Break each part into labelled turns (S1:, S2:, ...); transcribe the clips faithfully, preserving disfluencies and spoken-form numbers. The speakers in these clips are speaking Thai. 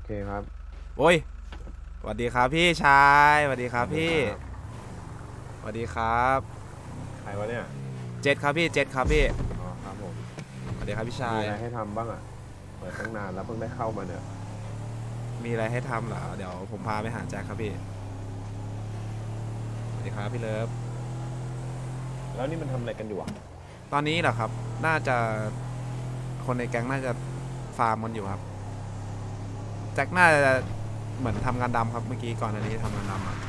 S1: เคครับ
S2: โอ้ยสวัสดีครับพี่ชายสวัสดีครับพี่สวัสดีครับ
S1: ใครวะเนี่ย
S2: เจ็ดครับพี่เจ็ดครับพี่
S1: อ๋อครับผม
S2: สวัสดีครับพี่ชาย
S1: มีอะไรให้ทำบ้างอ่ะเปิดตั้งนานแล้วเพิ่งได้เข้ามาเนี่ย
S2: มีอะไรให้ทำเหรอเดี๋ยวผมพาไปหาแจ็คครับพี่สวัสดีครับพี่เลิฟ
S1: แล้วนี่มันทำอะไรกันอยู่อ่ะ
S2: ตอนนี้เหรอครับน่าจะคนในแก๊งน่าจะฟาร์มมันอยู่ครับแจ็คน่าจะเหมือนทำงานดำครับเมื่อกี้ก่อนอันนี้ทำงานดำอะ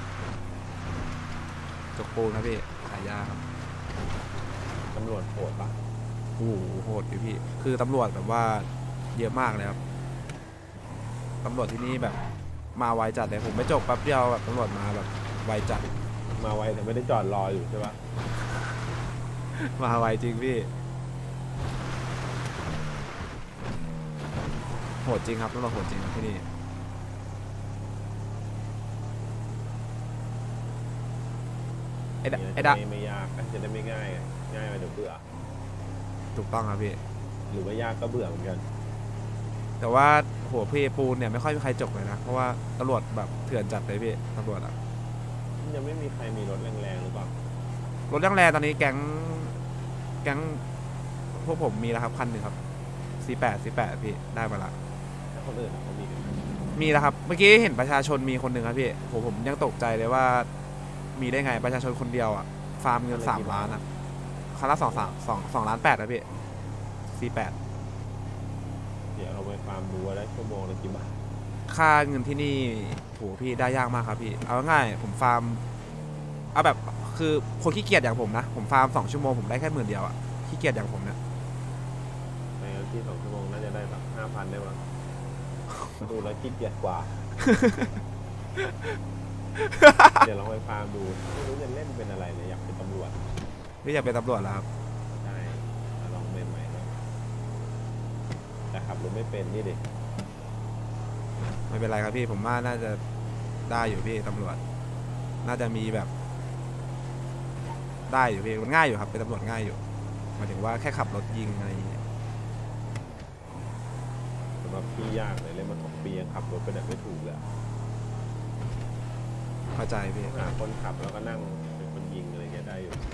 S2: จกปูนครับพี่ขายยาครับ
S1: ตำรวจโหดปะ
S2: โอ้โหโหดอยู่พี่คือตำรวจแบบว่าเยอะมากเลยครับตำรวจที่นี่แบบมาไวจัดเลยผมไม่จบแป๊บเดียวแบบตำรวจมาแบบไวจัด
S1: มาไวแต่ไม่ได้จอดรออยู่ใช่ปะ
S2: มาไวจริงพี่โหดจริงครับตำรวจโหดจริงครับที่นี่ไอ้ดะไอ้ดะ
S1: ไม่ไม่ยากจะได้ไม่ง่ายง่ายไปเดี๋ยวเบื่อ
S2: ถูกต้องครับพี่
S1: หรือว่ายากก็เบื่อเหมือนกัน
S2: แต่ว่าหัวพี่ปูนเนี่ยไม่ค่อยมีใครจบเลยนะเพราะว่าตำรวจแบบเถื่อนจัดเลยพี่ตำรวจอะ
S1: ยังไม่มีใครมีรถแรงๆหรือเปล่าร
S2: ถยังแรงตอนนี้แก๊งแก๊งพวกผมมีแล้วครับคันหนึ่งครับ ซี แปด ซี แปด พี่ได้มาละ
S1: ถ้าคนอื่นเขามีกัน
S2: มีแล้วครับเมื่อกี้เห็นประชาชนมีคนหนึ่งครับพี่ผมผมยังตกใจเลยว่ามีได้ไงประชาชนคนเดียวอะฟาร์มเงินสามล้านอะคันละสองสามสองสองล้านแปดนะพี่ ซี แปด
S1: เดี๋ยวเราไปฟาร์มดูว่าได้ชั่วโมงละกี่บาท
S2: ค่าเงินที่นี่โหพี่ได้ยากมากครับพี่เอาง่ายๆผมฟาร์มเอาแบบคือคนขี้เกียจอย่างผมนะผมฟาร์มสองชั่วโมงผมได้แค่หมื่นเดียวอะขี้เกียจอย่างผมเนี่ย
S1: ในที่สองชั่วโมงน่าจะได้สักห้าพันได้มั้งดูแล้วขี้เกียจกว่า เดี๋ยวลองไปฟาร์มดูไม่รู้จะเล่นเป็นอะไรเลยอยากเป็นตำรวจ
S2: พี่อยากเป็นตำรวจแล้วครับ
S1: ใช่ลองใหม่ๆแล้วแต่ขับรถไม่เป็นนี่ดิ
S2: ไม่เป็นไรครับพี่ผมว่าน่าจะได้อยู่พี่ตำรวจน่าจะมีแบบได้อยู่พี่มันง่ายอยู่ครับเป็นตำรวจง่ายอยู่หมายถึงว่าแค่ขับรถยิงอะไรอย่างเงี้ย
S1: สำหรับพี่ยากเลยเล่นมาสองปียังขับรถไปไหนไม่ถูกเลย
S2: เข้าใจพี่
S1: หาคนขับแล้วก็นั่งเป็นคนยิงอะไรเงี้ยได้อยู่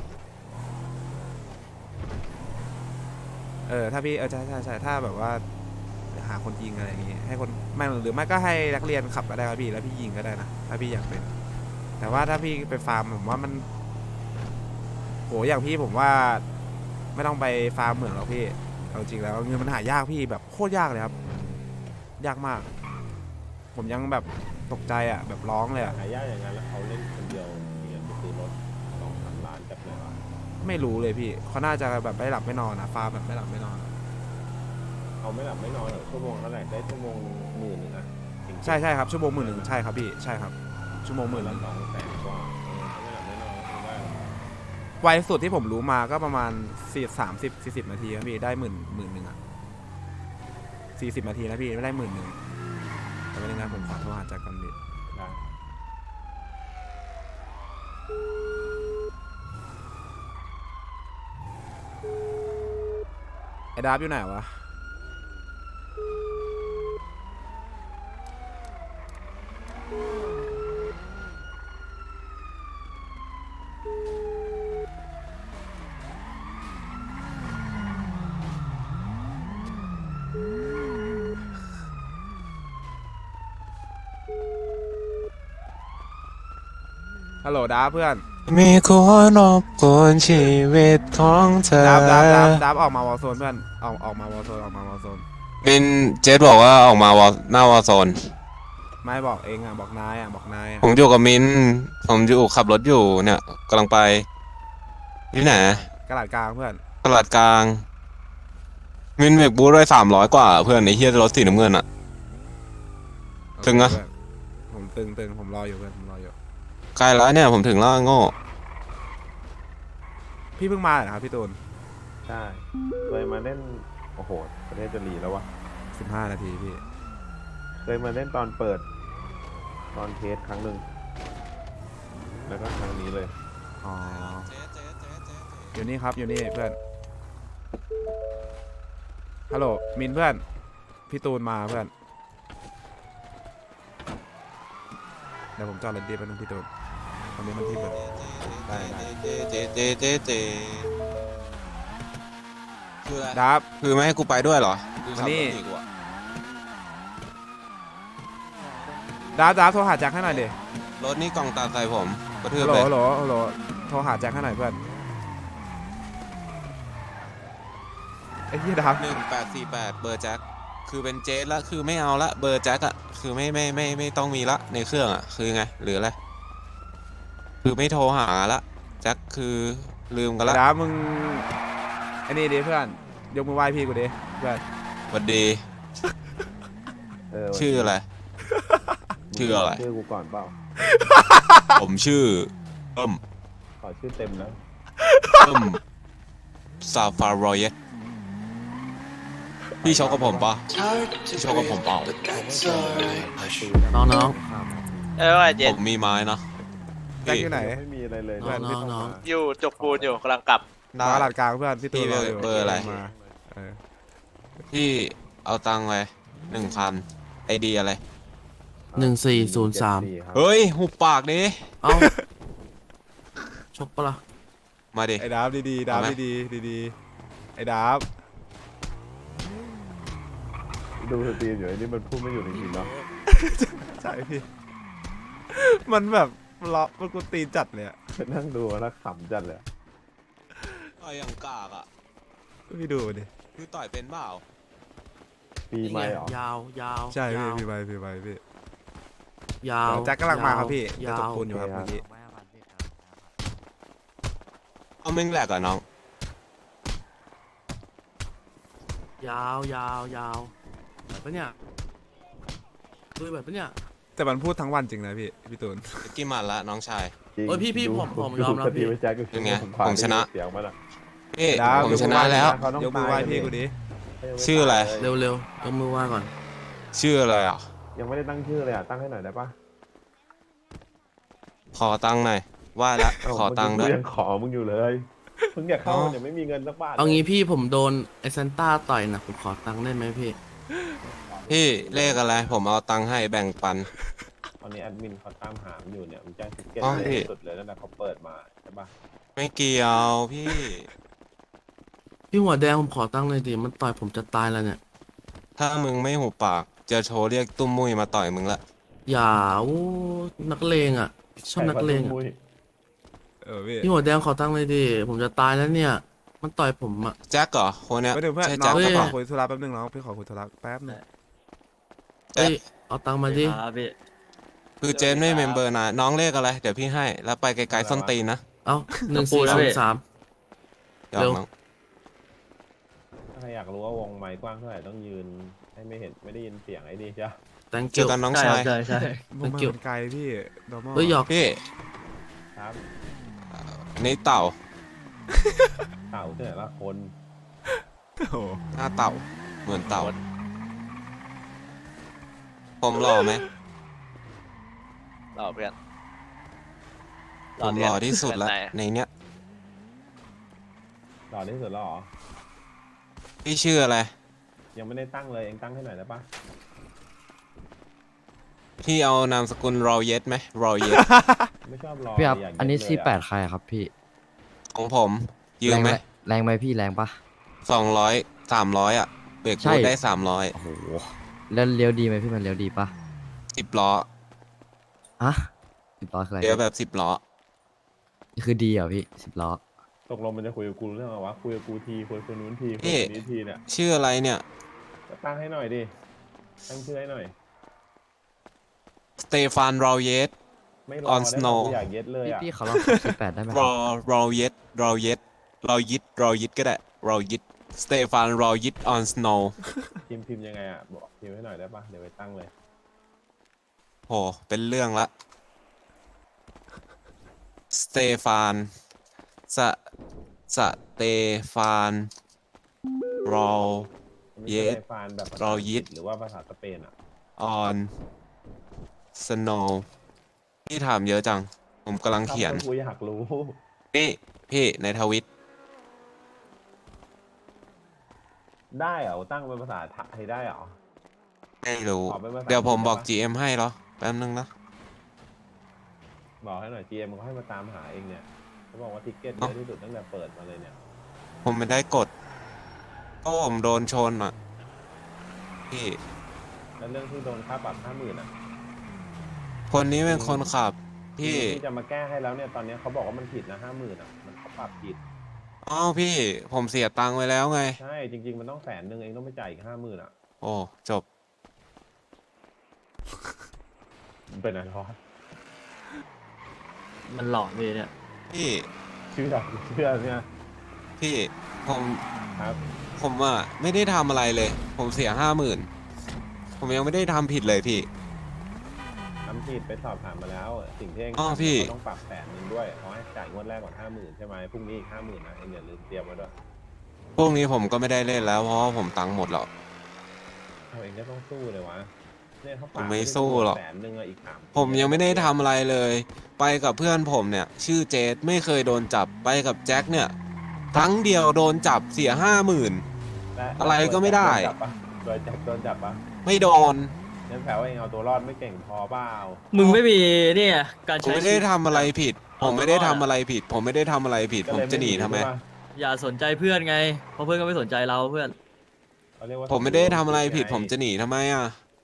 S2: เออถ้าพี่เออใช่ใช่ใช่ถ้าแบบว่าหาคนยิงอะไรอย่างเงี้ยให้คนไม่หรือไม่ก็ให้นักเรียนขับก็ได้ครับพี่แล้วพี่ยิงก็ได้นะถ้าพี่อยากเป็นแต่ว่าถ้าพี่ไปฟาร์มผมว่ามันโหอย่างพี่ผมว่าไม่ต้องไปฟาร์มเหมืองหรอกพี่เอาจริงแล้วเงินมันหายากพี่แบบโคตรยากเลยครับยากมากผมยังแบบตกใจอ่ะแบบร้องเลยอ่ะ
S1: หายากอย่างนั้นแล้วเขาเล่นคนเดียวเงี้ยไปซื้อรถสองสามล้านจับเลยวะ
S2: ไม่รู้เลยพี่เขาน่าจะแบบไม่หลับไม่นอนนะฟาร์มแบบไม่หลับไม่นอน
S1: เขาไม่หลับไม่นอนหรอกชั่วโมงเท่าไหร่ได้ชั่วโมงหมื่นหนึ่งอะ
S2: ใช่ใช่ครับชั่วโมงหมื่นหนึ่งใช่ครับพี่ใช่ครับชั่วโมงหมื่นห
S1: ละ
S2: นึ่ง
S1: สองแสนกว่าเขาไม่หลับไม่นอนก็ได้
S2: ไวสุดที่ผมรู้มาก็ประมาณสี่สามสิบสี่สิบนาทีครับพี่ได้หมื่นหมื่นหนึ่งอ่ะสี่สิบนาทีนะพี่ไม่ได้หมื่นหนึ่งแต่ไม่ได้นะผมขอโทรหาจากกันดิไอ้ดาบอยู่ไหนวะฮัลโหลดาบเพื่อน
S3: มีคนรบกวนชีวิตของเธอ
S2: ดาบดาบดาบดาบออกมาวอลโซนเพื่อนออกออกมาวอลโซนออกมาวอลโซน
S3: มินเจสบอกว่าออกมาวอลหน้าวอลโซน
S2: ไม่บอกเองอ่ะบอกนายอ่ะบอกนายอ่ะ
S3: ผมอยู่กับมินผมอยู่ขับรถอยู่เนี่ยกำลังไปที่ไหน
S2: กระดาษกลางเพื่อน
S3: ตลาดกลางมินเบรกบูทได้สามร้อยกว่าเพื่อนไอ้เฮียรถสีน้ำเงินอะถึงอะ
S2: ผมตึงตึงผมรออยู่เพื่อนผมรออยู่
S3: ใกล้แล้วเนี่ยผมถึงแล้วโง่
S2: พี่เพิ่งมาเหรอครับพี่ตูน
S1: ใช่เคยมาเล่นโอ้โหประเทศจะรีแล้ววะ
S2: สิบห้านาทีพี่
S1: เคยมาเล่นตอนเปิดตอนเทสครั้งหนึ่งแล้วก็ครั้งนี้เลย
S2: อ๋ออยู่นี่ครับอยู่นี่เพื่อนฮัลโหลมินเพื่อนพี่ตูนมาเพื่อนดี๋ยวผมจอดรถดีแป๊บนึงพี่ตูนตอนนี้มันที่เบิร์ด
S1: ได้ได้
S3: เจเจเจเจเจคืออะไร
S2: ดับ
S3: คือไม่ให้กูไปด้วยเหรอคือขับ
S2: มานี่
S3: รถหนีกูอะ
S2: ดับดับโทรหาแจ็คให้หน่อยดิ
S3: รถนี่กล่องตาใส่ผมกระทืบ
S2: ฮัลโหล
S3: เลย
S2: ฮัลโหลฮัลโหลโทรหาแจ็คให้หน่อยเพื่อนไอ้เหี้ยดับ
S3: หนึ่งแปดสี่แปดเบอร์แจ็คคือเป็นเจสละคือไม่เอาละเบอร์แจ็คอะคือไม่ไม่ไม่ไม่ต้องมีละในเครื่องอะคือไงหรืออะไรคือไม่โทรหาละแจ็คคือลืมกันละ
S2: ดับมึงไอ้นี่ดิเพื่อนยกมือไหว้พี่กูดิเพื่อน
S3: สวัสดี
S1: เออ
S3: ชื่ออะไร ชื่ออะไร
S1: ชื่อกูก่อนเปล่า
S3: ผมชื่อเอิ่ม
S1: ขอชื่อเต็มนะ
S3: เอิ่มซาฟารอยเอสพี่ชกกับผมปะพี่ชกกับผมเปล่า
S4: น้องน้อง
S5: เออว่าเย็
S3: ผ
S5: น
S3: มมีไม้นะ
S2: แจ็ค
S3: พี่
S2: อยู่ไหน
S1: ไม่มีอะไรเลย
S2: เพื่อน
S4: น้องน้อง
S5: อยู่จกปูนอยู่กำลังกลับ
S3: ได้
S2: มาตลาดกลางเพื่อนพี่ตูน
S3: พี่เบอร์
S2: ยู่
S3: เบอร์อะไร
S2: มาเออ
S3: พี่เอาตังค์ไปหนึ่งพันไอดีอะไร
S4: หนึ่งสี่ศูนย์สาม
S1: ครับ
S3: เฮ้ยหุบปากดิ
S4: เอ้า ชกปะล่ะ
S3: มาดิ
S2: ไอ้ดับดีๆดับ
S3: เอาไหม
S2: ดีๆดีๆไอ้ดับ
S1: ดูสตรีมอยู่ไอ้นี่มันพูดไม่อยู่จริงๆเนาะ
S2: ใช่พี่มันแบบเลาะมันกูตีนจัดเลยอะ
S1: นั่งดูแล้วขำจัดเลยอะ
S3: ต่อยอย่างกากอ่ะ
S2: พี่ดูดิ
S3: คือต่อยเป็นเปล่า
S1: ปีใหม่เหรอ
S4: ยาวยาว
S2: ใช่พี่
S4: ยาว
S2: พี่ไปพี่ไปพี่
S4: ยาว
S2: เดี๋ยวแจ็คกำลังมาครับพี่จะ
S4: ยา
S2: ตก
S4: ว
S2: ปูนอยู่ครับ
S1: โอเคครับ
S2: เมื่อกี้
S3: เอาแม่งแหลกอะน้อง
S4: ยาวยาวยาวแบบปะเนี่ยดูแบบปะเนี่ย
S2: แต่มันพูดทั้งวันจริงนะพี่พี่ตูน
S3: กี่หมัดละน้องชาย
S1: จริง
S4: เอ้ยพี่พี่
S1: ดู
S4: ผมผม
S1: ดู
S4: ยอมรับ
S1: สตรี
S4: พี่
S1: มไอ้แจ็คก็
S3: เป็นไง
S1: ขวา
S3: ผมชนะ
S1: เสียงมันอะ
S3: พี่
S2: ดาว
S3: ผมชนะแล้ว
S1: เขาต้อง
S2: ยกมือไหว้
S1: ตายกัน
S2: พี่กูดิ
S3: ชื่ออะไร
S4: เร็วเร็วๆยกมือไหว้ก่อน
S3: ชื่ออะไรอ่ะ
S1: ยังไม่ได้ตั้งชื่อเลยอ่ะตั้งให้หน่อยได้ปะ
S3: ขอตังค์หน่อยว่าละ
S1: เา
S3: ขอตังค์ด้วย
S1: มึยังขอมึงอยู่เลยมึงอยากเข้า
S3: อ๋อ
S1: เนี่ยไม่มีเงินสักบาท
S4: เอางี้พี่ผมโดนไอเซนต้าต่อยนะผมขอตังค์ได้ไหมพี่
S3: พี่เลขอะไร ผมเอาตังค์ให้แบ่งปัน
S1: ตอนนี้แอดมินเขาตามหามันอยู่เนี่ยมันแจ้งทิกเก็ต
S3: อ๋อ
S1: เลย
S3: พี่
S1: สุดเลยตั้งแต่เขาเปิดมาใช่ปะ
S3: ไม่เกี่ยวพี่
S4: พี่หัวแดงผมขอตังค์เลยดิมันต่อยผมจะตายแล้วเนี่ย
S3: ถ้ามึงไม่หุบปาก จะโทรเรียกตุ้มมุ้ยมาต่อยมึงละ
S4: อย่าโอ้นักเลงอ่ะชอบนักเลง
S1: ใคร
S4: อะ
S1: วะตุ้มมุ้ย
S2: เออพี่
S4: พี่หัวแดงขอตังค์เลยดิผมจะตายแล้วเนี่ย มันต่อยผมอ่ะ
S3: แจ็คเหรอคนเนี้ย
S2: ไม่ถึงเพื่อน
S3: ใช่
S2: น้
S3: แจ็
S2: อ
S3: ค
S2: ง
S4: เฮ้ย
S2: พี่ข
S3: ปะ
S2: อคุยธุระแป๊บนึงน้องพี่ขอคุยธุระแป๊บนึง
S3: แจ็
S4: เอ้
S3: ค
S4: ยเอาตังค์มาดิ
S5: ครับพี่
S3: คือเจนไม่เมมเบอร์นะน้องเลขอะไร เดี๋ยวพี่ให้ แล้วไปไกลๆส้นตีนนะ
S4: เอาหนึ่งสี่ศูนย์สาม
S3: ยอม
S4: เร็ว
S3: น้อง
S1: ถ้าใครอยากรู้ว่าวงไม้กว้างเท่าไหร่ต้องยืนให้ไม่เห็นไม่ได้ยินเสียงไอ้นี่ใช่ปะ
S4: thank
S3: เจ
S4: you
S3: อกันน้องชาย
S5: ใช่ใช่
S2: ผมมา
S4: เกี่ยว
S2: มันไกลพี่ normal
S4: เฮ้ยหยอก
S3: พี่
S1: ครับ
S3: นี่เต่า
S1: เต่าที่ไหนละคน
S2: โอ้โห
S3: หน้าเต่า เหมือนเต่า ผมหล่อไหม
S5: รอเพื่อน
S3: ผมหล่อที่สุดแล้ว
S5: เพื่อนไหน
S3: ในเนี้ย
S1: หล่อที่สุดแล้วเหรอ
S3: พี่ชื่ออะไร
S1: ยังไม่ได้ตั้งเลยเองตั้งให้หน่อยได้ปะ
S3: พี่เอานามสกุลรอเยสไหมรอเยส
S1: ไม่ชอบรอ
S6: พี่ครับ
S1: ยาก
S6: อันนี้
S1: เย็
S6: สี่
S1: เลยะ
S6: แปดใครอะครับพี่
S3: ของผมยืมไหม
S6: แรงไหมพี่แรงปะ
S3: สองร้อยสามร้อยอ่ะ เบรก
S6: ใช่
S3: บูทได้สามร้อย
S6: โอ้โห แล้วเลี้ยวดีไหมพี่มันเลี้ยวดีปะ
S3: สิบล้อ
S6: ฮะสิบล้อคืออะไร
S3: เดี๋ยวแบบสิบล้อ
S6: นี่คือดีเหรอพี่สิบล้อ
S1: ตกลงมันจะคุยกับกูเรื่องอะไรวะคุยกับกูทีคุยกับคนนู้นทีคุย
S3: พี่
S1: กับคนนี้ทีเนี่ย
S3: ชื่ออะไรเนี่ย
S1: ก็ตั้งให้หน่อยดิตั้งชื่อให้หน่อย
S3: สเตฟานรอเยส
S1: ไม่รอ
S3: On
S1: ได้
S3: Snow
S1: ปะกูอยากเย็ดเลย
S6: พี่
S1: อ่ะ
S6: พี่เขาลองขับสี่แปดได้ไหมค
S3: ร
S6: รั
S3: อบ รอเยสรอเยสรอยิดรอยิดก็ได้รอยิดสเตฟานรอยิดออนสโนว์
S1: พิมพ์พิมพ์ยังไงอ่ะบอกพิมพ์ให้หน่อยได้ปะเดี๋ยวไปตั้งเลย
S3: โหเป็นเรื่องละสเตฟานสสเตฟานรอ
S1: มันไม่
S3: เย็
S1: ใช่
S3: ด
S1: ไอฟานแบบภาษา
S3: เรา
S1: อังก
S3: ยึ
S1: ฤ
S3: ด
S1: ษหรือว่าภาษาสเปนอ่ะ
S3: ออนสโนว์พี่ถามเยอะจัง ผมกำลังเขียน
S1: ครับกูอยากรู้
S3: นี่พี่ในทวิต
S1: ได้เหรอตั้งเป็นภาษาไทยได้เหรอ
S3: ไม่รู้
S1: ขอเป็นภาษา
S3: เดี๋ยวผมบอก
S1: อังกฤษ
S3: จี เอ็ม ให้เหรอ แป๊บนึงนะ
S1: บอกให้หน่อย จี เอ็ม เขาให้มาตามหาเองเนี่ยเขาบอกว่าทิกเก็ตเยอะที่สุดตั้งแต่เปิดมาเลยเนี่ย
S3: ผมไม่ได้กดก็ผมโดนชนอ่ะพี่
S1: แล้วเรื่องที่โดนค่าปรับห้าหมื่นอ่ะ
S3: คนนี้เป็นคนขับพี่
S1: ที่จะมาแก้ให้แล้วเนี่ยตอนนี้เขาบอกว่ามันผิดนะห้าหมื่นอ่ะมันเขาปรับผิด
S3: อ้าวพี่ผมเสียตังค์ไว้แล้วไง
S1: ใช่จริง ๆ มันต้องแสนหนึ่งเองต้องไปจ่ายอีกห้าหมื่นอ่ะ
S3: โอ้จบ
S1: มันเป็นอะไรวะ
S4: มันหลอนเลยเนี่ย
S3: พี่
S1: เชื่อเชื่อเนี่ย
S3: พี่ผม
S1: ครับ
S3: ผมอ่ะไม่ได้ทำอะไรเลย ผมเสียห้าหมื่นผมยังไม่ได้ทำผิดเลยพี่
S1: ทำผิดไปสอบถามมาแล้ว สิ่งที่เอง
S3: อ้าว
S1: ทำ
S3: พี่
S1: เขาต้องปรับแสนหนึ่งด้วยเขาให้จ่ายงวดแรกก่อนห้าหมื่นใช่ไหมพรุ่งนี้อีกห้าหมื่นนะเองอย่าลืมเตรียมไว้ด้วย
S3: พวกนี้ผมก็ไม่ได้เล่นแล้วเพราะว่าผมตังค์หมดแล้ว
S1: เอาเองก็ต้องสู้เลยวะเนี่ยเขาป
S3: ผ
S1: รับ
S3: มไม่สู้หรอก
S1: แสนหนึ่งอะอีกสาม
S3: ผมยังไม่ได้ทำอะไรเลย ไปกับเพื่อนผมเนี่ย ชื่อเจสไม่เคยโดนจับไปกับแจ็คเนี่ยครั้งเดียวโดนจับเสียห้าหมื่น
S1: และ
S3: อะไรก็ไม่ได้
S1: โดนจับปะโดนจับโดนจับปะ
S3: ไม่โดน
S1: งั้นแปลว่าเองเอาตัวรอดไม่เก่งพอเปล่า
S4: มึงไม่มีเนี่ยการ
S3: ผม
S4: ใช้
S3: ไม่
S4: ชี
S3: ได้
S4: วิต
S3: ทำอะไรผิด ผมไม่ได้ทำอะไรผิด ผมไม่ได้ทำอะไรผิด ผมจะหนีทำไม
S1: ใช่ปะ
S4: อย่าสนใจเพื่อนไงเพราะเพื่อนก็ไม่สนใจเราเพื่อน
S1: เขาเรียกว่า
S3: ผมไม่ได้ทำอะไรผิด ผมจะหนีทำไมอ่ะ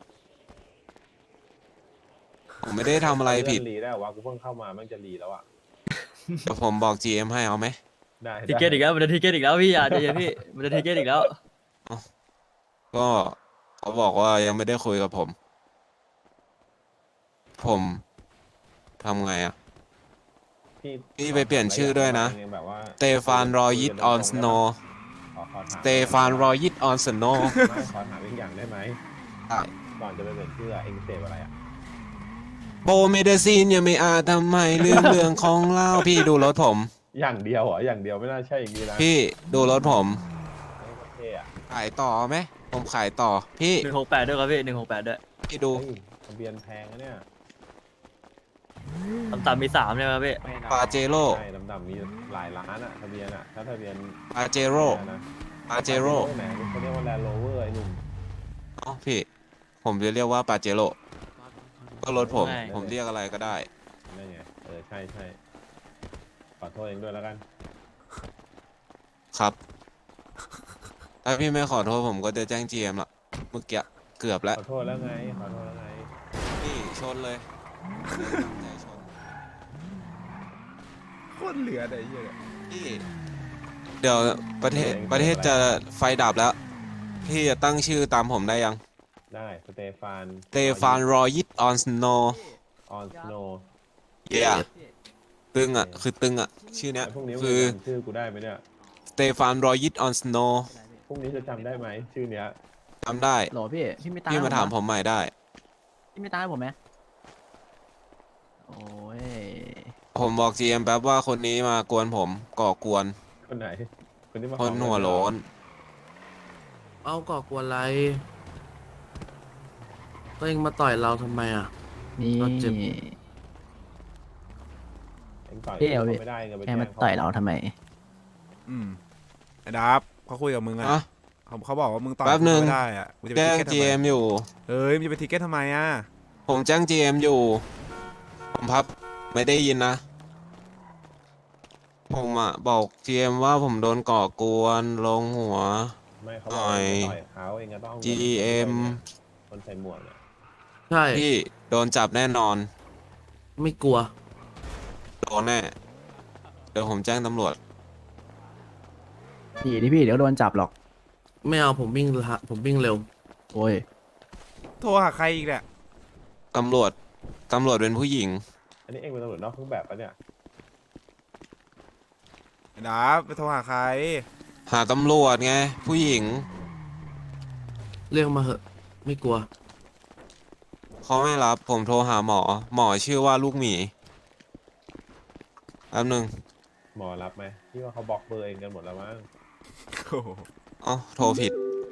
S3: ผมไม่ได้ทำอะไรผิด
S1: เลื่นรีได้เหรอวะกูเพิ่งเข้ามามันจะรีแล้วอ่ะ
S3: แต่ผมบอก จี เอ็ม ให้เอาไหม
S1: ได้
S4: ทิเกตอีกแล้วมันจะทิเกตอีกแล้วพี่อย่าใจเย็นพี่มันจะทิเกตอีกแล้ว
S3: ก็เขาบอกว่ายังไม่ได้คุยกับผม ผมทำไงอ่ะ พี่ไปเปลี่ยนชื่อด้วยนะ
S1: แบบว่า
S3: สเตฟานรอยิตออนสโน
S1: ขอขอถาม
S3: สเตฟานรอยิตออนสโน
S1: ไม่ขอถามอีกอย่างได้ไหม
S3: ได้
S1: ก่อนจะไปเปลี่ยนชื่ออะเองเสพอะไรอ่ะ
S3: โบเมเดซีนยังไม่อาจทำไมลืมเรื่องของเล่าพี่ดูรถผม
S1: อย่างเดียวเหรออย่างเดียวไม่น่าใช่อย่างนี้นะ
S3: พี่ดูรถผม
S1: ไม่โอเคอ่ะ
S3: ขายต่อไหมผมขายต่อ พี่
S4: หนึ่งหกแปดด้วยครับพี่หนึ่งหกแปดด้วย
S3: พี่ดู
S1: เฮ้ยทะเบียนแพงนะเนี่ย
S4: ต่ำๆมีสามใช่ไหมครับพี่
S3: ปาเจโร่
S1: ใช่ดำๆมีหลายล้านอ่ะทะเบียนอ่ะถ้าทะเบียน
S3: ปาเจโร่
S1: นะ
S3: ปาเจโร่
S1: ไหนเขาเรียกว่าแลนด์โรเวอร์ไอ้หนุ่ม
S3: อ๋อพี่ ผมจะเรียกว่าปาเจโร่ก็รถผม ผมเรียกอะไรก็ได้
S1: นั่นไงเออใช่ใช่ขอโทษเองด้วยแล้วกัน
S3: ครับ ถ้าพี่ไม่ขอโทษผมก็จะแจ้ง จี เอ็ม ละเมื่อกี้เกือบแล้ว
S1: ขอโทษแล้วไงขอโทษแล้วไง
S3: พี่ชนเลยใจชน
S2: โคตรเหลือแต่ไอ้เหี้ยเนี่ย
S3: พี่เดี๋ยวประเทศประเทศจะไฟดับแล้ว พี่จะตั้งชื่อตามผมได้ยัง
S1: ได้สเตฟาน
S3: สเตฟานรอยิตออนสโน
S1: ออนสโน
S3: เย้ตึงอ่ะ คือตึงอ่ะ ชื่อเนี้ย
S1: พรุ่งนี้
S3: คือ
S1: จำชื่อกูได้ไหมเนี่ย
S3: สเตฟานรอยิตออนสโน
S1: พรุ่งนี้จะจำได้ไหมชื่อเนี้ย
S3: จำได้
S7: โหลพี่ พี่ไม่ตาม
S3: พี่มาถามผมใหม่ได้
S7: พี่ไม่ตามให้ผมไหมโอ้ย
S3: ผมบอก จี เอ็ม แป๊บว่าคนนี้มากวนผมก่อกวน
S1: คนไหนคนที่มาข
S3: ค
S1: อน เงิ
S3: หัวโล้น
S4: เอาก่อกวนอะไรก็เองมาต่อยเราทำไมอ่ะ
S7: นี่
S4: ก็เจ็บ
S1: เองต่อย
S7: พี่เอาพี่
S1: ไม่ได้เงินไป
S7: แค่
S1: แจ้
S7: มาง
S1: เขา
S7: ต่อยเราทำไม
S2: อืมไอ้ดับเขาคุยกับมึงอ่ะ
S3: อะ
S2: เขาเขาบอกว่ามึงต่อย
S3: แป๊บหนึ่ง
S2: กูไม่ได้อ่ะมึงจะไป
S3: แจ้ง
S2: ทิเก็ตทำ
S3: จี
S2: ไม
S3: เอ็ม อยู่
S2: เอ้ยมึงจะไปทิเก็ตทำไมอ่ะ
S3: ผมแจ้ง จี เอ็ม อยู่ ผมพับไม่ได้ยินนะ ผมอ่ะบอก จี เอ็ม ว่าผมโดนก่อกวนลงหัว
S1: ไม่เขาบอกว่าเองต่อยเขาเองก็ต้องเอาเงิน
S3: จี เอ็ม
S1: คนใส่หมวกเนี่ย
S4: ใช่
S3: พี่โดนจับแน่นอน
S4: ไม่กลัว
S3: โดนแน่ เดี๋ยวผมแจ้งตำรวจ
S7: ดีที่พี่เดี๋ยวโดนจับหรอก
S4: ไม่เอาผมวิ่งละผมวิ่งเร็ว
S7: โอ้ย
S2: โทรหาใครอีกเนี่ย
S3: ตำรวจ ตำรวจเป็นผู้หญิง
S1: อันนี้เองเป็นตำรวจนอกเครื่องแบบปะเนี่ย
S2: ไอ้ดับไปโทรหาใคร
S3: หาตำรวจไง ผู้หญิง
S4: เรียกมาเหอะ ไม่กลัว
S3: เขาไม่รับ ผมโทรหาหมอ หมอชื่อว่าลูกหมีแป๊บหนึง
S1: หมอรับไหมที่ว่าเขาบล็อกเบอร์เองกันหมดแล้วมั้ง
S2: โอ้โห
S3: อ๋อโทรผิด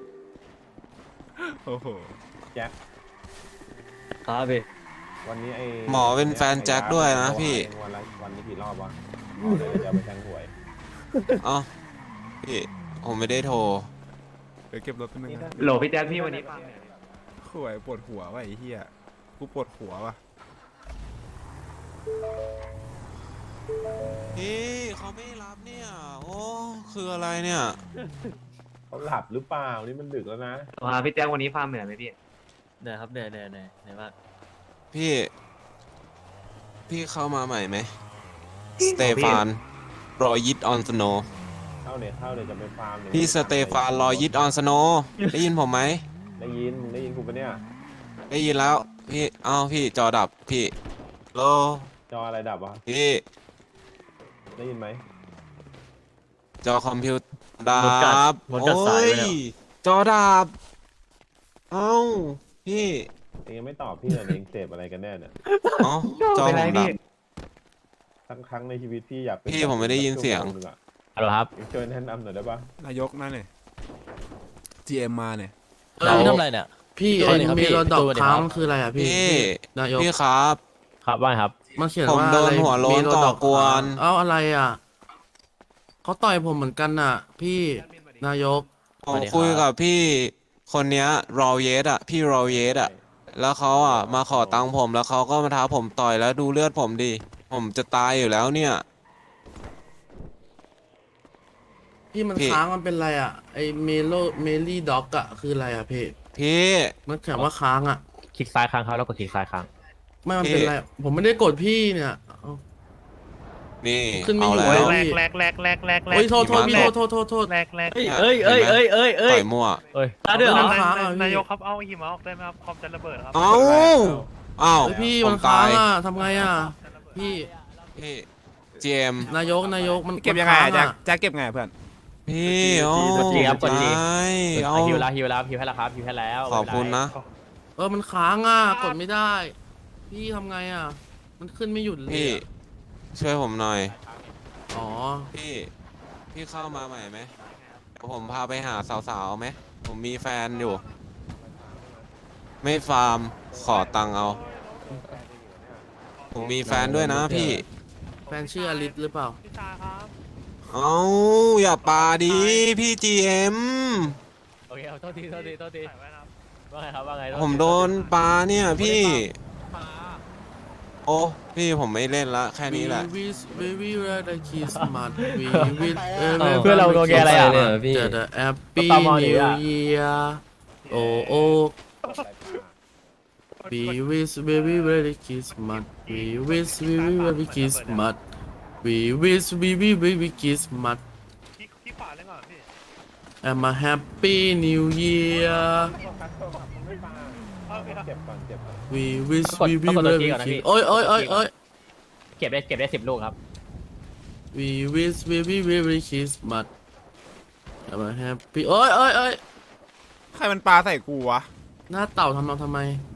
S2: โอ้โห
S1: แจ็ค
S4: ครับพี่
S1: วันนี้ไอ้
S3: หมอเป็นแฟนแจ็คด้วยนะพี่
S1: เองวันละวันนี้กี่รอบวะอ๋อเดี๋ยวจะเอาไปแทงหวย
S3: อ๋อพี่ ผมไม่ได้โทร
S2: เดี๋ยวเก็บรถแป๊บนึงนะ
S8: โหลพี่แจ๊คพี่วันนี้
S2: ข่วยปวดหัวว่ะไอ้เหี้ยกูปวดหัวว่ะ
S3: พี่เขาไม่รับเนี่ย โอ้ คืออะไรเนี่ย
S1: เขาหลับหรือเปล่านี่มันดึกแล้วนะ
S8: มาพี่แจ้งวันนี้ฟาร์มเหนื่อยไหมพี่
S7: เหนื่อยครับเหนื่อยเหนื่อยเหนื่อยเหนื่อยมาก
S3: พี่ พี่เข้ามาใหม่ไหม สเตฟาน รอยิดออนสโน
S1: เข้าเนี่ยเข้าเนี่ยจะไปฟาร์มเนี่ย
S3: พี่สเตฟาน รอยิดออนสโน ได้ยินผมไหม
S1: ได้ยินมึงได้ยินกูปะเนี่ย
S3: ได้ยินแล้ว พี่ เอ้าพี่จอดับ พี่โล
S1: จออะไรดับวะ
S3: พี่
S1: ได้ยินไหม
S3: จอคอมพิวเตอร์ดั
S7: หมดกัด
S3: บ
S7: หมดกัดสายไปแล้ว
S3: โอ้จอดับ เอ้า พี่
S1: เองยังไม่ตอบพี่เลยเองเสพอะไรกันแน่เนี่ย
S3: เอ้าจอผมดับ
S1: ทั้งครั้งในชีวิตพี่อยากเป็น
S3: พี่ผมไม่ได้ยินเสียง
S1: ชั่วโมหนึ่อะ
S8: ฮัลโหลครับ
S1: เองช่วยแนะนำหน่อยได้ปะ
S2: นายกนั่นเนี่ย จี เอ็ม มาเนี่ย
S7: เออพี่ทำอะไรเนี่ย
S4: พี่
S7: ส
S4: ไอ้
S7: วัสดีครับ
S4: มี
S7: พี่
S4: รถดอก
S7: สวัสดีครับ
S4: ค้างคืออะไรอ่ะพี่
S3: พี่
S4: นายก
S3: พี่ครับ
S8: ครับว่าครับ
S4: มันเขียน
S3: ผม
S4: ว่า
S3: โดน
S4: อะไร
S3: หัวโล้น
S4: มีรถด
S3: ก่อกวน
S4: ค้างเอ้าอะไรอ่ะเขาต่อยผมเหมือนกันน่ะ พี่นายก
S3: ผ
S7: สวั
S3: ม
S7: สดีครับ
S3: คุยกับพี่คนเนี้ยรอเยสอ่ะ พี่รอเยสอ่ะ แล้วเขาอ่ะมาขอตังค์ผมแล้วเขาก็มาท้าผมต่อยแล้วดูเลือดผมดิ ผมจะตายอยู่แล้วเนี่ย
S4: พี่มัน
S3: พี่
S4: ค้างมันเป็นอะไรอ่ะไอเมโลเมลี่ด็อกอ่ะคืออะไรอ่ะพี่
S3: พี่
S4: มันเขียนว่าค้างอ่ะ
S8: คลิกซ้ายค้างครับแล้วกดคลิกซ้ายค้าง
S4: ไม่มัน
S3: พี่
S4: เป็นอะไรผมไม่ได้กดพี่เนี่ยเอ้า
S3: นี่
S4: ขึ้นไม่
S3: เอา
S4: อยู่
S3: แล้ว
S4: เลย
S9: แรกแรกแรกแรกแรกแรก
S4: โอ้ยโทษโทษพี่
S3: แร
S4: โท
S3: ก
S4: ษโทษโทษโทษ
S9: แรกแรก
S7: เอ้ยเอ้ยเอ้ยเอ้ยเอ้ยเอ้
S3: ต่
S7: ย
S3: อยมั่ว
S8: เอ้ย
S7: ตาเดือดเหรอ
S4: มันค้างอ่ะ
S9: นาย
S4: พี่
S9: กครับเอาหิมะออกได้ไหมครับคอมจะระเบิดครับ
S3: เอ้าเอ้า
S4: เฮ้ยพี่
S3: ผ
S4: มัน
S3: ม
S4: ค้า
S3: ตาง ย
S4: อ่ะทำไงอ่ะพี่
S3: พี่เจม
S4: นายกนายกมัน
S2: เก็บยังไง
S4: มัน
S2: อะแจ็ค
S4: ค้า
S2: แจ็คเก็บไงอะเพื่อน
S3: พี่โอ้
S8: กดจีครับกดจี
S3: ตายเอา
S8: ฮิวแล้วฮิวแล้วฮิวให้แล้วครับฮิวให้แล้ว
S3: ขอบคุณนะ
S4: เออมันค้างอ่ะกดไม่ได้ พี่ทำไงอ่ะ มันขึ้นไม่หยุดเลย
S3: พี่
S4: อะ
S3: ช่วยผมหน่อย
S4: อ๋อ
S3: พี่ พี่เข้ามาใหม่ไหมเดี๋ยวผมพาไปหาสาวๆไหม ผมมีแฟนอยู่ ไม่ฟาร์ม ขอตังค์เอา ผมมีแฟนด้วยนะพี่
S4: แฟนชื่ออลิสหรือเปล่า
S9: พี่ชายครับ
S3: เอาอย่าปาดีพี่จีเอ็ม
S8: โอเคเอาโทษทีโทษทีโทษที
S9: ใส่ไว้นะครับ
S8: ว่าไงครับว่าไง
S3: ผมโดนปาเนี่ยพี่ โอ้ พี่ผมไม่เล่นละ แค่นี้แหละ
S4: We wish baby rather kiss mud We wish
S8: เพื่อนเราโดนแกอะไรอ่ะ
S4: จะ happy
S8: ตามมาดิ
S4: new
S8: อ่ะ
S4: year โอ้โอ้ We wish baby rather kiss mud We wish baby rather kiss mud We wish baby baby kiss mud
S9: ที่ที่ขวาเลยก่อนพี่
S4: I'm a happy new year
S9: เอาไปครับ
S1: เก็บก่อนเก็บก่อน
S4: We wish
S8: กด
S4: baby
S8: ต้องกดตัว
S4: rather
S8: จีก่อนนะพี่
S4: kiss โอ้ยโอ้ยโอ้ยโอ้ย
S8: เก็บได้เก็บได้สิบลูกครับ
S4: We wish baby baby kiss mud I'm a happy โอ้ยโอ้ยโอ้ย
S2: ใครมันปลาใส่กูวะ
S4: หน้าเต่าทำเราทำไม